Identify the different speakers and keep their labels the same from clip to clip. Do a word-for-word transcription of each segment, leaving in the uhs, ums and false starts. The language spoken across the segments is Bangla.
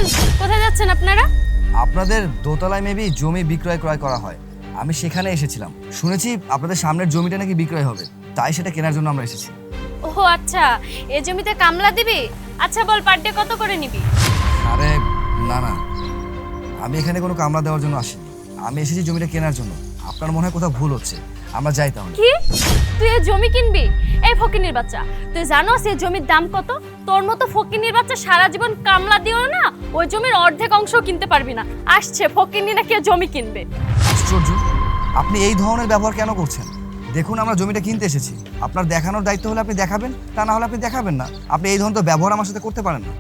Speaker 1: থামেন, কোথায় যাচ্ছেন আপনারা?
Speaker 2: আপনাদের দোতলায় মেবি জমি বিক্রয় ক্রয় করা হয়, আমি সেখানে এসেছিলাম। শুনেছি আপনাদের সামনের জমিটা নাকি বিক্রয় হবে, তাই সেটা কেনার জন্য আমরা এসেছি।
Speaker 1: ও আচ্ছা, এই জমিতে কামলা দিবি? আচ্ছা বল, পার ডে কত করে নিবি?
Speaker 2: আরে না না, আমি এখানে কোনো কামলা দেওয়ার জন্য আসিনি, আমি এসেছি জমিটা কেনার জন্য। আপনার মনে হয় কোথাও ভুল হচ্ছে, আমরা যাই তাহলে।
Speaker 1: কি, তুই এই জমি কিনবি? এই ফকিনির বাচ্চা, তুই জানোস এই জমির দাম কত? তোর মতো ফকিনির বাচ্চা সারা জীবন কামলা দিও না, ওই জমির অর্ধেক অংশ কিনতে পারবি না। আসছে ফকিনি নাকি জমি কিনবে।
Speaker 2: আশ্চর্য, আপনি এই ধরনের ব্যবহার কেন করছেন? দেখুন, আমরা জমিটা কিনতে এসেছি, আপনার দেখানোর দায়িত্ব হলে আপনি দেখাবেন, তা না হলে আপনি দেখাবেন না। আপনি এই ধরনের ব্যবহার আমার সাথে করতে পারেন না।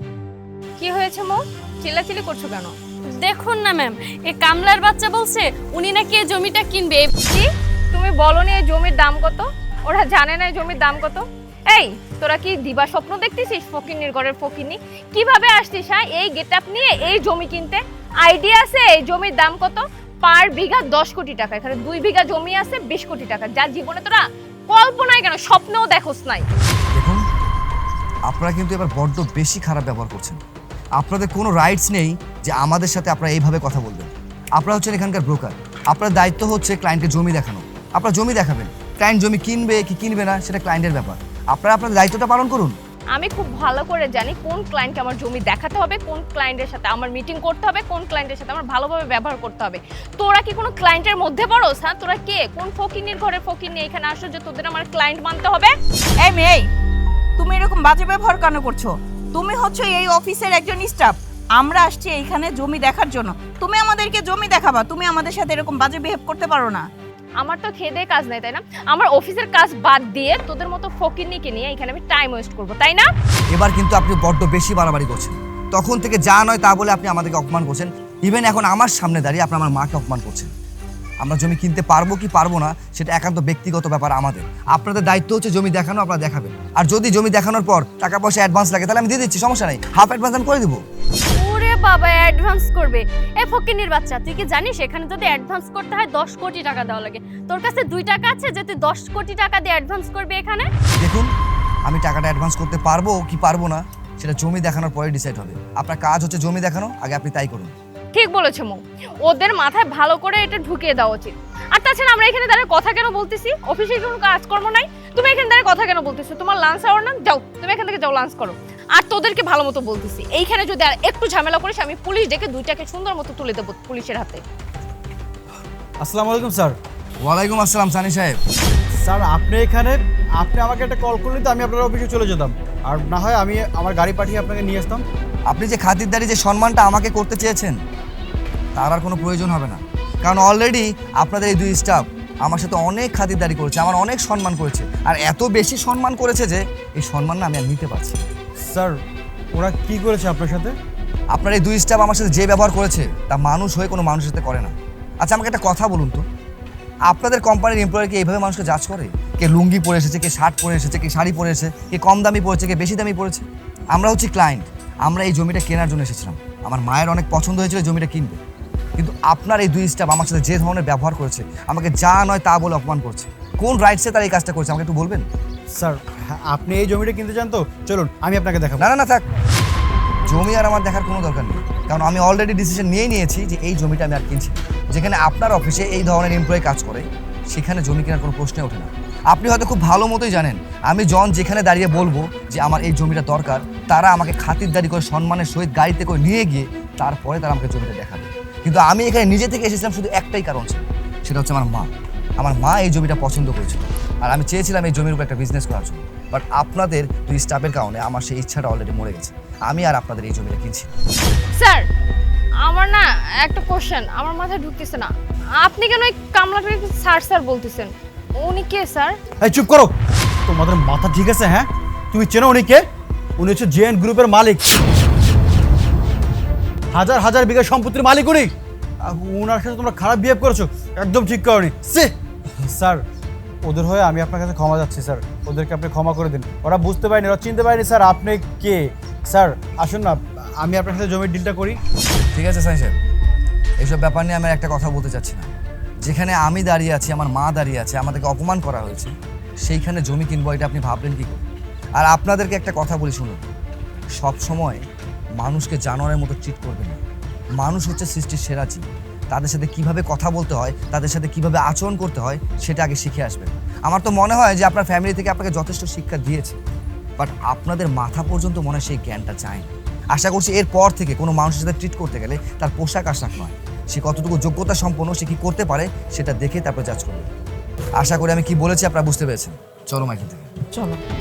Speaker 1: কি হয়েছে মো, চিল্লাচিল্লি করছো কেন? দেখুন না ম্যাম, এই কামলার বাচ্চা বলছে উনি নাকি এই জমিটা কিনবে।
Speaker 3: কি তুমি বলনি এই জমির দাম কত? ওরা জানে না এই জমির দাম কত? এই তোরা কি দিবা স্বপ্ন দেখতেছিস? ফকিন্নির ঘরের ফকিন্নি কিভাবে আসছিস হ্যাঁ এই গেটআপ নিয়ে এই জমি কিনতে? আইডিয়া আছে এই জমির দাম কত? পার বিঘা দশ কোটি টাকা। এখানে দুই বিঘা জমি আছে বিশ কোটি টাকা, যা জীবনে তোরা কল্পনায় কেন স্বপ্নেও দেখোস নাই।
Speaker 2: দেখুন, আপনারা কিন্তু এবার বড্ড বেশি খারাপ ব্যবহার করছেন। আপনাদের কোনো রাইটস নেই যে আমাদের সাথে আপনারা এইভাবে কথা বলবেন। আপনারা হচ্ছেন এখানকার ব্রোকার, আপনার দায়িত্ব হচ্ছে ক্লায়েন্টকে জমি দেখানো। আপনারা জমি দেখাবেন, ক্লায়েন্ট জমি কিনবে কি কিনবে না সেটা ক্লায়েন্টের ব্যাপার। আপনারা আপনার দায়িত্বটা পালন করুন।
Speaker 3: আমি খুব ভালো করে জানি কোন ক্লায়েন্টকে আমার জমি দেখাতে হবে, কোন ক্লায়েন্টের সাথে আমার মিটিং করতে হবে, কোন ক্লায়েন্টের সাথে আমার ভালোভাবে ব্যবহার করতে হবে। তোরা কি কোনো ক্লায়েন্টের মধ্যে পড়োস? হ্যাঁ, তোরা কে? কোন ফকিন্নির ঘরে ফকিন্নি এখানে আসো যে তোদের আমার ক্লায়েন্ট মানতে হবে?
Speaker 4: এই মেয়ে, তুমি এরকম বাজে ব্যবহার কেন করছো? তুমি হচ্ছে এই অফিসের একজন স্টাফ, আমরা আসছি এইখানে জমি দেখার জন্য, তুমি আমাদেরকে জমি দেখাবা? তুমি আমাদের সাথে এরকম বাজে বিহেভ করতে পারো না।
Speaker 3: আমার তো খেদে কাজ নাই, তাই না? আমার অফিসের কাজ বাদ দিয়ে তোদের মতো ফকিন্নিকে নিয়ে এখানে আমি টাইম ওয়েস্ট করবো, তাই না?
Speaker 2: এবার কিন্তু আপনি বড্ড বেশি বাড়াবাড়ি করছেন। তখন থেকে যা নয় তা বলে আপনি আমাদেরকে অপমান করছেন। ইভেন এখন আমার সামনে দাঁড়িয়ে আপনি আমার মাকে অপমান করছেন। আমরা জমি কিনতে পারবো কি পারবো না সেটা একান্ত ব্যক্তিগত ব্যাপার আমাদের। আপনাদের দায়িত্ব হচ্ছে জমি দেখানো, আপনারা দেখাবেন। আর যদি জমি দেখানোর পর টাকা পয়সা অ্যাডভান্স লাগে তাহলে আমি দিয়ে দিচ্ছি, সমস্যা নেই, হাফ অ্যাডভান্স আমি করে দেবো।
Speaker 1: ওরে বাবা, অ্যাডভান্স করবে? এই ফকিনির বাচ্চা, তুই কি জানিস এখানে যদি অ্যাডভান্স করতে হয় দশ কোটি টাকা দেওয়া লাগে? তোর কাছে দুই টাকা আছে যে তুই দশ কোটি টাকা দিয়ে অ্যাডভান্স করবি এখানে?
Speaker 2: দেখুন, আমি টাকাটা অ্যাডভান্স করতে পারবো কি পারবো না সেটা জমি দেখানোর পরে ডিসাইড হবে। আপনার কাজ হচ্ছে জমি দেখানো, আগে আপনি তাই করুন।
Speaker 3: ঠিক বলেছো মৌ, ওদের মাথায় ভালো করে এটা ঢুকিয়ে দেওয়া উচিত। আর তাছাড়া আমরা এখানে দাঁড়িয়ে কথা কেন বলতেছি? অফিসে কোনো কাজকর্ম নাই, তুমি এখানে দাঁড়িয়ে কথা কেন বলতেছো? তোমার লাঞ্চ আওয়ার না, যাও তুমি এখান থেকে যাও, লাঞ্চ করো। আর তোদেরকে ভালো মতো বলতেছি, এইখানে যদি আর একটু ঝামেলা করিস আমি পুলিশ ডেকে দুইটাকে সুন্দর মতো তুলে দেবো পুলিশের হাতে।
Speaker 5: আসসালামু আলাইকুম স্যার।
Speaker 2: ওয়ালাইকুম আসসালাম সানি সাহেব।
Speaker 5: স্যার আপনি এখানে, আপনি আমাকে একটা কল করলে তো আমি আপনার অফিসে চলে যেতাম, আর না হয় আমি আমার গাড়ি পাঠিয়ে আপনাকে নিয়ে আসতাম।
Speaker 2: আপনি যে খাতিরদারি, যে সম্মানটা আমাকে করতে চেয়েছেন তার আর কোনো প্রয়োজন হবে না, কারণ অলরেডি আপনাদের এই দুই স্টাফ আমার সাথে অনেক খাতিরদারি করেছে, আমার অনেক সম্মান করেছে, আর এত বেশি সম্মান করেছে যে এই সম্মান না আমি আর নিতে পারছি।
Speaker 5: স্যার ওরা কি করেছে আপনার সাথে?
Speaker 2: আপনার এই দুই স্টাফ আমার সাথে যে ব্যবহার করেছে তা মানুষ হয়ে কোনো মানুষের সাথে করে না। আচ্ছা আমাকে একটা কথা বলুন তো, আপনাদের কোম্পানির এমপ্লয়ারকে এইভাবে মানুষকে জাজ করে? কে লুঙ্গি পরে এসেছে, কে শার্ট পরে এসেছে, কে শাড়ি পরে এসেছে, কে কম দামি পড়েছে, কে বেশি দামি পড়েছে। আমরা হচ্ছি ক্লায়েন্ট, আমরা এই জমিটা কেনার জন্য এসেছিলাম। আমার মায়ের অনেক পছন্দ হয়েছিল জমিটা কিনবে, কিন্তু আপনার এই দুই স্টাফ আমার সাথে যে ধরনের ব্যবহার করেছে, আমাকে যা নয় তা বলে অপমান করছে, কোন রাইটসে তারা এই কাজটা করছে আমাকে একটু বলবেন?
Speaker 5: স্যার আপনি এই জমিটা কিনতে চান তো চলুন আমি আপনাকে দেখাবো।
Speaker 2: না না না থাক, জমি আর আমার দেখার কোনো দরকার নেই, কারণ আমি অলরেডি ডিসিশন নিয়ে নিয়েছি যে এই জমিটা আমি আর কিনছি। যেখানে আপনার অফিসে এই ধরনের এমপ্লয়ি কাজ করে সেখানে জমি কেনার কোনো প্রশ্নে ওঠে না। আপনি হয়তো খুব ভালো মতোই জানেন আমি জন যেখানে দাঁড়িয়ে বলবো যে আমার এই জমিটা দরকার, তারা আমাকে খাতিরদারি করে সম্মানের সহিত গাড়িতে করে নিয়ে গিয়ে তারপরে তারা আমাকে জমিটা দেখাবে। কিন্তু আমি এখানে নিজে থেকে এসেছিলাম শুধু একটাই কারণ ছিল, সেটা হচ্ছে আমার মা। আমার মা এই জমিটা পছন্দ করেছিল আর আমি চেয়েছিলাম এই জমির উপর একটা বিজনেস করার জন্য। বাট আপনাদের দুই স্টাফের কারণে আমার সেই ইচ্ছাটা অলরেডি মরে গেছে, আমি আর আপনাদের এই জমিটা কিনছি।
Speaker 3: স্যার আমার না একটা কোশ্চেন আমার মাথায় ঢুকতেছে না, আপনি কেন এই কামলাটাকে স্যার স্যার বলতেছেন? উনি কে স্যার?
Speaker 5: এই চুপ করো, তোমাদের মাথা ঠিক আছে? হ্যাঁ তুমি চেনো উনি কে? উনি হচ্ছে জেএন গ্রুপের মালিক, হাজার হাজার বিঘা সম্পত্তির মালিক উনি। আর ওনার সাথে তোমরা খারাপ বিহেভ করেছো, একদম ঠিক করনি। স্যার ওদের হয়ে আমি আপনার কাছে ক্ষমা যাচ্ছি স্যার, ওদেরকে আপনি ক্ষমা করে দিন, ওরা বুঝতে পারেনি, ওরা চিনতে পারেনি স্যার আপনি কে। স্যার আসুন না আমি আপনার সাথে জমির ডিলটা করি।
Speaker 2: ঠিক আছে সাইন সাহেব, এইসব ব্যাপার নিয়ে আমি একটা কথা বলতে চাচ্ছি না। যেখানে আমি দাঁড়িয়ে আছি, আমার মা দাঁড়িয়ে আছে, আমাদেরকে অপমান করা হয়েছে, সেইখানে জমি কিনবো এটা আপনি ভাবলেন কি করে? আর আপনাদেরকে একটা কথা বলি শুনুন, সব সময় মানুষকে জানোয়ারের মতো ট্রিট করবেন না। মানুষ হচ্ছে সৃষ্টির সেরা জীব। তাদের সাথে কিভাবে কথা বলতে হয়, তাদের সাথে কিভাবে আচরণ করতে হয়, সেটা আগে শিখে আসবেন। আমার তো মনে হয় যে আপনার ফ্যামিলি থেকে আপনাকে যথেষ্ট শিক্ষা দিয়েছে, বাট আপনাদের মাথা পর্যন্ত মনে হয় সেই জ্ঞানটা চায়। আশা করছি এরপর থেকে কোনো মানুষের সাথে ট্রিট করতে গেলে তার পোশাক আশাক নয়, সে কতটুকু যোগ্যতা সম্পন্ন, সে কি করতে পারে সেটা দেখে তারপর জাজ করবে। আশা করি আমি কি বলেছি আপনারা বুঝতে পেরেছেন। চলো মাইকেল থেকে।
Speaker 4: চলো।